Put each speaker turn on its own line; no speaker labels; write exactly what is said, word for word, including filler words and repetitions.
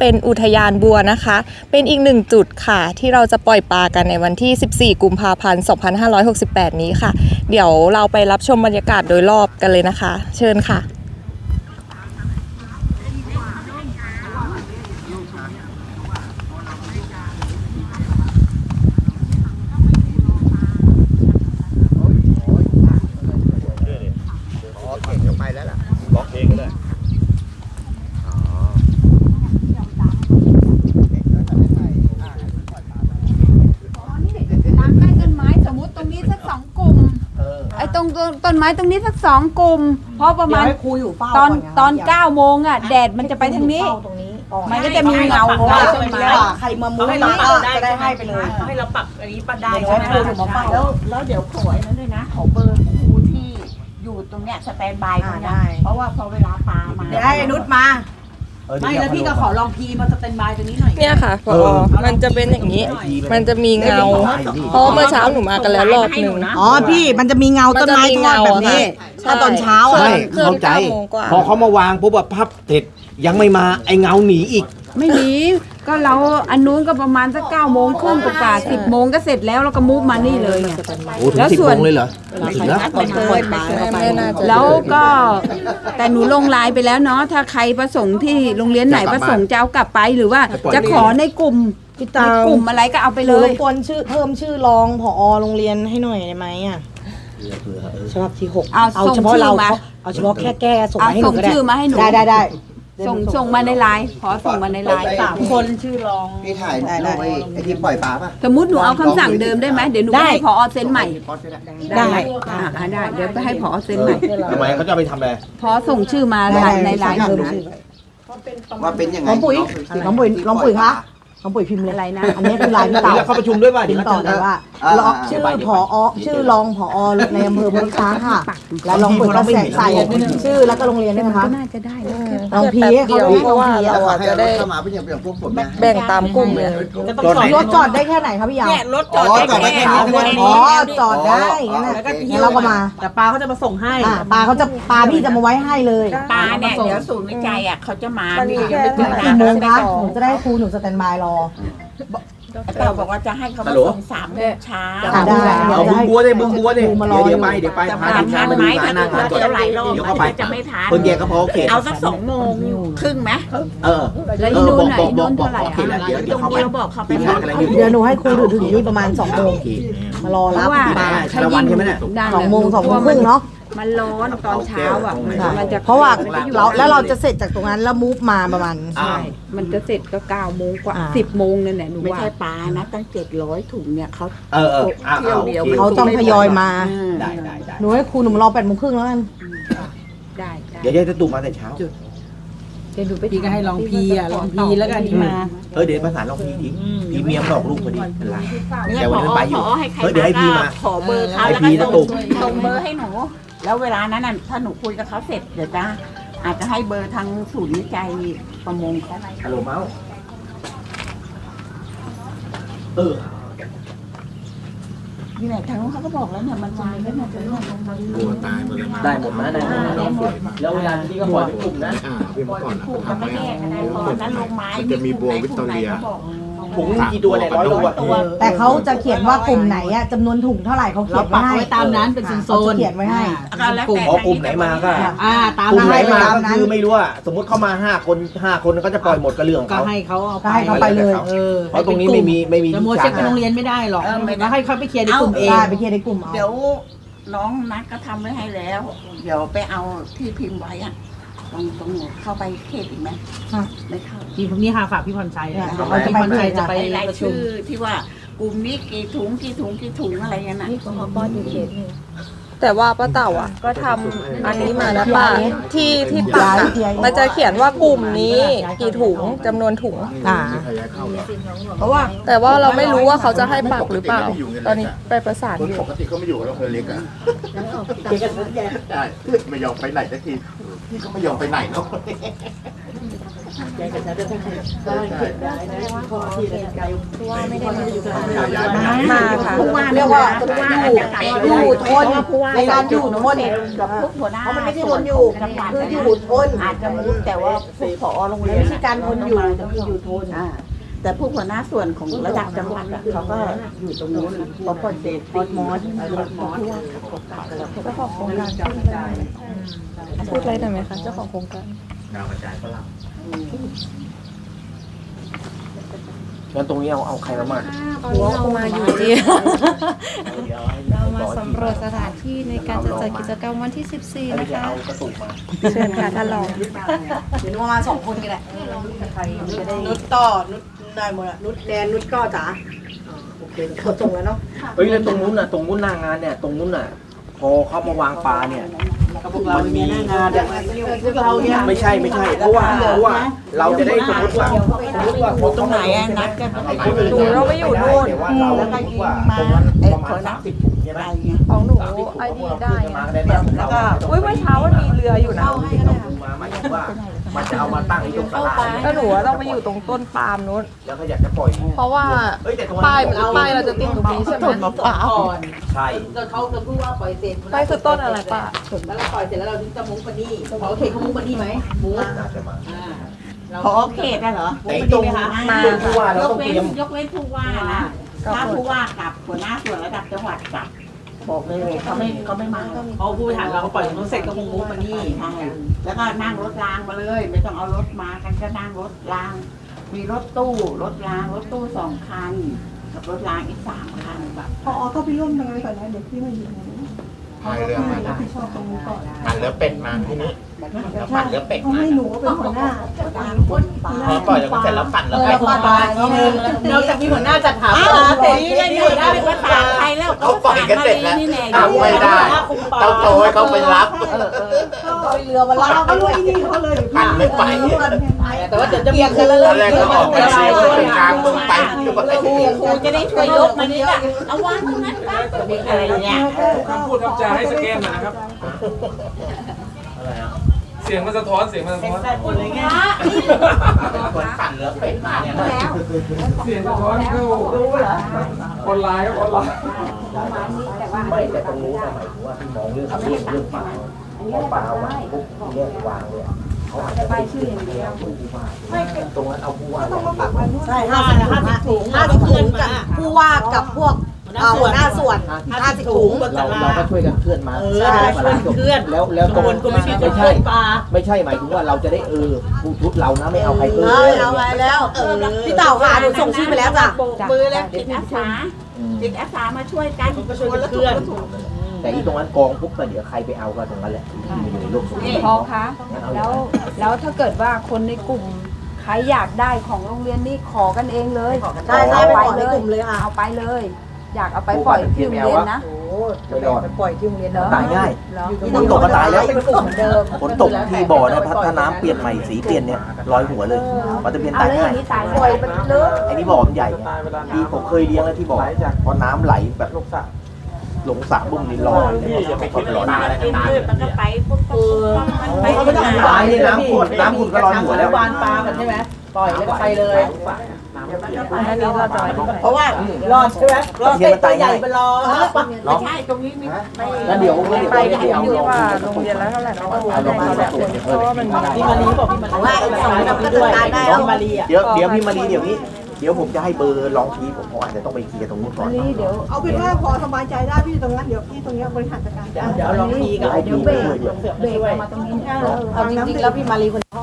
เป็นอุทยานบัวนะคะเป็นอีกหนึ่งจุดค่ะที่เราจะปล่อยปลากันในวันที่สิบสี่กุมภาพันธ์สองพันห้าร้อยหกสิบแปดนี้ค่ะเดี๋ยวเราไปรับชมบรรยากาศโดยรอบกันเลยนะคะเชิญค่ะ
ต้นไม้ตรงนี้สักสองกลุ่มเพราะประมาณตอนตอนเก้าโมงอ่ะแดดมันจะไปทางนี้มันก็จะมีเงาของต้นไม้
ใครมามุ้งให้เราจะได้ให้ไปเลย
ให้เราปรับอันนี้ปัดได้ใช่ไหมแล้วแล้วเดี๋ยวขอนั้นด้วยนะขอเบอร์ครูที่อยู่ตรงเนี้ยสแตนบายตรงเนี้ยเพราะว่าพอเวลาปลามา
เดี๋ยวให้นุชมา
ไม่แล้วพี่ก็ขอลองพีมาสแตนบายตรงนี้หน่อย
เนี่ยค่ะพอมันจะเป็นอย่างนี้มันจะมีเงาเพราะเมื่อเช้าหนูมากันแล้วรอบหนึ่ง
อ๋อพี่มันจะมีเงาต้นไม้ทอดแบบนี้ถ้าตอนเช้า
ใช่เข้าใจพอเขามาวางปุ๊บแบบพับเสร็จยังไม่มาไอเงาหนีอีก
ไม่หนีก็เราอันนู้นก็ประมาณสักเก้าโมงครึ่งกว่าสิบโมงก็เสร็จแล้วเราก็มุฟมานี่เลยไง
แล้วส่วนเลยเหรอถึงแล้ว
แล้วก็แต่หนูลงไลน์ไปแล้วเนาะถ้าใครประสงค์ที่โรงเรียนไหนประสงค์จะเอากลับไปหรือว่าจะขอในกลุ่มกลุ่มอะไรก็เอาไปเลย
รบกวนชื่อเพิ่มชื่อรองผอโรงเรียนให้หน่อยได้ไหมอ่ะฉบับที่หกเอาเฉพาะเราเอาเฉพาะแค่แก้ส่งให้หนูก็ได้ได้ได้ได้
ส่งส่งมาในไลน์ขอส่งมาในไลน์
สามคนชื่อรอง
พี่ถ่ายได้ไอ้ที่ปล่อยปลาป่ะ
สมมติหนูเอาคำสั่งเดิมได้ไหมเดี๋ยวหนูให้ผอเซ็นใหม่ได้ได้เดี๋ยวไปให้ผอเซ็นใหม่
ทำไมเขาจะไปทำอะไร
พอส่งชื่อมาในไลน์หนู
ว่าเป็นยังไง
น้องปุ๋ยน้องปุ๋ยน้องปุ๋ยคะน้องปุ๋ยพิมพ์อะไรนะอันนี้คือไลน์พี่เต่า
เขาประชุมด้วยป่ะ
ติดต่อเลยว่าชื่อผอชื่อรองผอในอำเภอพุทธค้าค่ะแล้วลองปุ๋ยก็ใส่ชื่อแล้วก็โรงเรียนได้ไหมคะ
ก็น่าจะได้
ลองพีเขา
เพราะว่าเราจะได้แบ่งตามกลุ่มเลย
รถจอดได้แค่ไหนครับพี่ยาว
รถจอดได้แค่
นี้อ๋อจอดได้แล้วก็เราก็มา
แต่ปลาเขาจะมาส่งให้
ปลาเขาจะปลาพี่จะมาไว้ให้เลย
ปลาเนี่ยเดี๋ยวศูนย์วิจัยอ่ะเขาจะมา
กี่โมงคะหนูจะได้ครูหนูสแตนบายรอ
เราบอกว่าจะให้เขามาส่งสามโมงเช้า
ได้
เอาบึงบัวเลยบึงบัวเลยเดี๋ยวไปเดี๋ยวไปพาทีมงานมาดูงานนั่งก่อนเดี๋ยวเข้าไป
จะไม่ทาน
คนแก่ก็พอโอเค
เอาสักสองโมงครึ่งไหม
เออเออบอกบอกบอกบอกโอเคแล้วเดี๋ยวเดี๋ยวเข้าไป
เดี๋ยวหนูให้ครูถึงนี่ประมาณสองโมงมารอรับ
ชาละวันใช่ไหมเนี่ย
สองโมงสองโมงครึ่งเนาะ
มันร้อนตอนเช้าอ่ะ
มันจะเพราะว่าเราแล้วเราจะเสร็จจากตรงนั้นแล้วมูฟมาประมาณ
ใช่มันจะเสร็จก็เก้าโมงกว่าสิบโมงนั่นแหละหนูว่า
ไม่ใช่ปลานะตั้งเจ็ดร้อยถุงเนี่ยเขา
เออเออ
เที่ยวเดียวเขาต้องทยอยมาได้ได้ได้หนูให้ครูหนูรอแปดโมงครึ่งแล้วกัน
ได้
เดี๋ยวจะตุ่มมาแต่เช้า
เดี๋ยวดูไป
พี่ก็ให้ลองพีอ่ะลองพีแล้วกันนี่มา
เออเดี๋ยวประสานลองพีดิพีเมียมหลอกลูกพอดีเป็นไรแต่วันนั้นไปอยู่เฮ้ยเดี๋ยวให้พีมา
ขอเบอร์เขาแล้วก็ส่งส่งเบอร์ให้หนูแล้วเวลานั้นน่ะถ้าหนูคุยกับเขาเสร็จเดี๋ยวจะอาจจะให้เบอร์ทางศูนย์วิจัยประมงเขา
ฮัลโหลเมาส์เออ
นี่แหละทางนู้นเขาก็บอกแล้วเนี่ยมันวายแล้วเนี่ยจะร่วงลงมา
โอ้ตายหมดเลยได้หมดนะได้หมดแล้วเวลาที่ก็ปล่อยเป็นกลุ่มนะ
ปล่อยเป็นกลุ่มมันไม่แยกอะไรพอนั้นลงไม้
จะมีบัววิตอเรีย
ถุงกี่ตัวเนี่ยร้อยตัว
แต่เขาจะเขียนว่ากลุ่มไหนอะจำนวนถุงเท่าไหร่เขาเขียนไว้ให้
ตามนั้นเป็นโซน
เขียนไว้ให้
กลุ่มกลุ่มไหนมาก็
ตาม
กลุ่มไหนมาก็คือไม่รู้ว่าสมมติเข้ามาห้าคนห้าคนก็จะปล่อยหมดกระเรื่องเขา
ก็ให้เขาเอา
ให้เขาไปเลย
เพราะตรงนี้ไม่มีไม่มี
จะโมเช็คโรงเรียนไม่ได้หรอกแล้วให้เขาไปเคลียร์ในกลุ่มเอง
ไปเคลียร์ในกลุ่มเอา
เดี๋ยวน้องนัดก็ทำไว้ให้แล้วเดี๋ยวไปเอาที่พิมพ์ไว้อะตรงตรงเข้าไปเขตอีกไหมไม่เข้า
ทีนี้ค่ะฝากพี่พรชัย
เขาพี่พรชัยจะไปรายชื่อที่ว่ากลุ่มนี้กี่ถุงกี่ถุงกี่ถุงอะไรเงี้ยนะ
พอป้อนอยู่เขตนึงแต่ว่าป้าเต่าอ่ะก็ทำอันนี้มาแล้วป้าที่ที่ปากมันจะเขียนว่ากลุ่มนี้กี่ถุงจำนวนถุงเพราะว่าแต่ว่าเราไม่รู้ว่าเขาจะให้ปักหรือเปล่าตอนนี้ไปประสานอยู่
ปกติเขาไม่อยู่แล้วเคยเล็กอ่ะใช่ไม่ยอมไปไหนสักทีพี่ก็ไม่ยอมไปไหนเนาะ
ว่าไม่ได้มาอยู่
มาค่ะเรียกว่าอยู่อยู่ทนในการอยู่ทน
กับพวกหัวหน้า
เพราะมันไม่ใช่ทนอยู่คืออยู่ทน
อาจจะรู้แต่ว่าผู้ผอโรงเรียน
ไม่ใช่การทนอยู่แต่คืออยู่ทน
อ่าแต่ผู้หัวหน้าส่วนของระดับจังหวัดอะเขาก็อยู่ตรงนู้นพอพอเดตพอมอสมอสที่ว่าเขาก็ขอโครงการ
พูดอะไรหน่อยไหมคะเจ้าของโครงการ
ดาวกระจายฝรั่งงั้นตรงนี้เอาเอาใครมามั่น
ตอนนี้เรามาอยู่ที่ เรามาสำรวจสถานที่ในการจะจัดกิจกรรมวันที่ สิบสี่
ไม่
นะ
ใช่
คะ
เอากระสุนมา
เชิญค่ะท่านรอง
เดี๋ยวมาสองคนกันแหละนุชต่อนุชได้หมดอะนุชแดนนุชก็จ๋าโอเคเขาตรงแล้วเนาะ
เฮ้ยแล้วตรงนู้นน่ะตรงนู้นหน้างานเนี่ยตรงนู้นน่ะพอเขามาวางปลาเนี่ยมันมี
งานเนี่ยพวกเราเนี่ย
ไม่ใช่ไม่ใช่เพราะว่าเพราะว่าเราจะได้สมมติว่าสมมติว่าคน
ตรงไหนอะนัดกัน
ไอ้คนอื่น
หนูเราไปอยู่นู่น
แต่ว่าเราคิดว่าตรงนั้นประมาณสามสิบถุงใช่ไหม
ของหนูไอดีได้
มาได้เนี่ยแล้วก็
อุ้ยเมื่อเช้ามันมีเรืออยู่นะ
เราที่เราดูมาหมายถึงว่ามันจะเอามาตั้งที่ตรงตลาด
แล้วหนูว่าต้องไปอยู่ตรงต้นปาล์มนู้น
แล้วก็อยากจะปล่อย
เพราะว่า
เอ้ยแต่ตรง
ป้าย
นั้น
ป้ายเราจะติดตรงนี้ใช่ไหม
ใช่
เขาจะพูดว่าปล่อยเสร็จ
ป้ายคือต้นอะไรป้า
แล้วเราปล่อยเสร็จแล้วเราถึงจะมุ้งปนี่เขาเขตเขามุ้งปนี่ไหมมุ้ง
น่าจะมา
พอเขตอะเหรอ
แต่ตรงตรงผู้ว่าเรา
ยก
ต้อง
เว้
เตรีย
น
ม
ยกเว้นผู้ว่านะถ้าผู้ว่ากับหัวหน้าส่วนระดับจังหวัดกับบอกเลยเขาไม่เขาไม่มา
เขาผู้บริหารเราเขาปล่อยเขาเสร็จก็มุ้งมุ้งปนี่
ใช่แล้วก็นั่งรถรางมาเลย ไม่ต้องเอารถมากันก็นั่งรถราง มีรถตู้รถรางรถตู้สองคันกับรถรางอีกสามคันแบบ
พอก็ไปร่วมยังไงก่อนนะเดี๋ยวพี่มาอยู่ตรงนี้
พายเรือมา
รับผิดชอบตรงนี้ก่อน
ปั่นเรือเป็ดมาที่นี่แล้วปั่นเรือเป็ด
เขา
มา
ให้หนูเป็นหัวหน้า
พอปล่อยแล้วเสร็จแล้วปั่นเรือ
เอ
เป็
อ
ด
ปล่อยปลาทีนึงนอกจากมีหัวหน้าจัดหาปลาเสร็จ
นี่เลยหัวหน้าเป็นภาษาไทยแล้ว
เขาปล่อยกันเสร็จแล้ว
นี่แน่
ทำไม่ได้ต้องโทรให้เขาไปรับ
เรือมาลาก
เขาด้วยนี่เขาเลย
ปั่นไม่ไป
แต่ว่าเดี๋ยวจะมีคือ
ตอนแรกก็ออกไปเชียร์คนกลางมึงไป
ครูครูจะได้ช่วยยกมันนี่ก็เอาวางตรงนั้นปั๊บอะไรเนี่ย
คำพูดคำจาให้สแกนหน่อยนะครับ เสียงมันสะท้อน เสียงมันสะท้อน
คนปั่นเรือเป็ดมาเนี่ย
เสียงสะท้อนเข้าออนไลน์ครับออนไลน์
ไม่แต่ตรงนู้นหมายถึงว่าที่มองเรื่องเรื่องเรื่องปลาพอปลาวางปุ๊บเรื่องวางเนี่ยเขาอาจจะไปชื่ออย่างเดียวผู้ว่าตรงนั้นเอาผู้ว่า
ใช่ห้าสิบห้าสิบถุงห้าสิบถุงกับผู้ว่ากับพวกหัวหน้าส่วนห้าสิบถุง
เราเราก็ช่วยกันเคลื่อนมา
ใช่ช่วยเคลื่อน
แล้วแล้วตรง
คนก็ไม่ใช่
ไม่
จะเค
ใช่
ลื่อนปลา
ไม่ใช่หมายถึงว่าเราจะได้เออผู้ชุดเรานะไม่เอาใครเพิ่ม
เออเอาไปแล้วพี่เต่าค่ะหนูส่งชื่อไปแล้วจ้ะ
มือแล้วจิตอาสาจิตอาสามาช่วยกันคนละถุงละถุง
แต่ที่ตรงนั้นกองปุ๊บก็เดี๋ยวใครไปเอาก็ตรงนั้นแหละที่อยู่ในโลกโซเชียล
พอคะแล้วแล้วถ้าเกิดว่าคนในกลุ่มใครอยากได้ของโรงเรียนนี่ขอกันเองเลย
ใช่ใช่ไปขอในกลุ่มเลยค่ะ
เอาไปเลย อยากเอาไปปล่อยที่โรงเรียนนะ
โอ้จะไปปล่อยที่โรงเรียนเนาะ
ตายง่าย
เหรอ
ฝนตกก็ตายแล้ว
เป็นกลุ่มเหมือนเดิม
ฝนตกที่บ่อนะถ้าน้ำเปลี่ยนใหม่สีเปลี่ยนเนี่ยลอยหัวเลยปลาตะเพียน
เอา
ตาย
แล้วอ
ง่าย
ย่างนี้ตาย
ปล่อยมันเลอะ
ไอ้นี่บ่อมันใหญ่ไงที่ผมเคยเลี้ยงแล้วที่บ่อพอน้ำไหลแบบลงสระลงสระบุ้มนี่ลอยอย่าไปคิดร้อน
กินพืชมันก็ไปปุ๊บปุ๊บมันไป
เขาไม่ต้อง
ตายนี่น้ำขุดน้ำขุดก็ลอยหัวแล้ว
วานปลากันใช่ไหมปล่อยแล้วก็ไปเลย
อันนี้เราจะไว้ที่ไหน
เพราะว่ารอดใช่ไหมรอดเสร็จตัวใหญ่ไปรอ
ไม่ใช่ตรงนี้มีไม่
แล้วเดี๋ยวเดี๋ยว
ไป
เดี๋ยว
ที่
เอา
ที่ว่าโรงเรียนแล้วเท่าไหร่เราก็
เอาลงมา
แบ
แบบ
บเพราะว่ามันมี
พี่มารีบอกพี่มารีว่าสองกับก็จัดการได้แล้วพี่มารีอ่ะ
เดี๋ยวเดี๋ยวพี่มารีเดี๋ยวนี้เดี๋ยวผมจะให้เบอร์ลองทีผมอาจจะต้องไปเคลียร์ตรงนู้นก่อน
นี่เดี๋ยว
เอาเป็นว่าพอสบายใจได้พี่ตรงนั้นเดี๋ยวพี่ตรงนี้บริหารจัดการ
เดี๋ยวเดี๋ยวลองทีกับ
ให้
เดี๋ยว
พี่
เบร
ช่วย
ก
ด้วย
เบรกออกมาตรงนี้
เอาจริงๆแล้วพี่มารีคน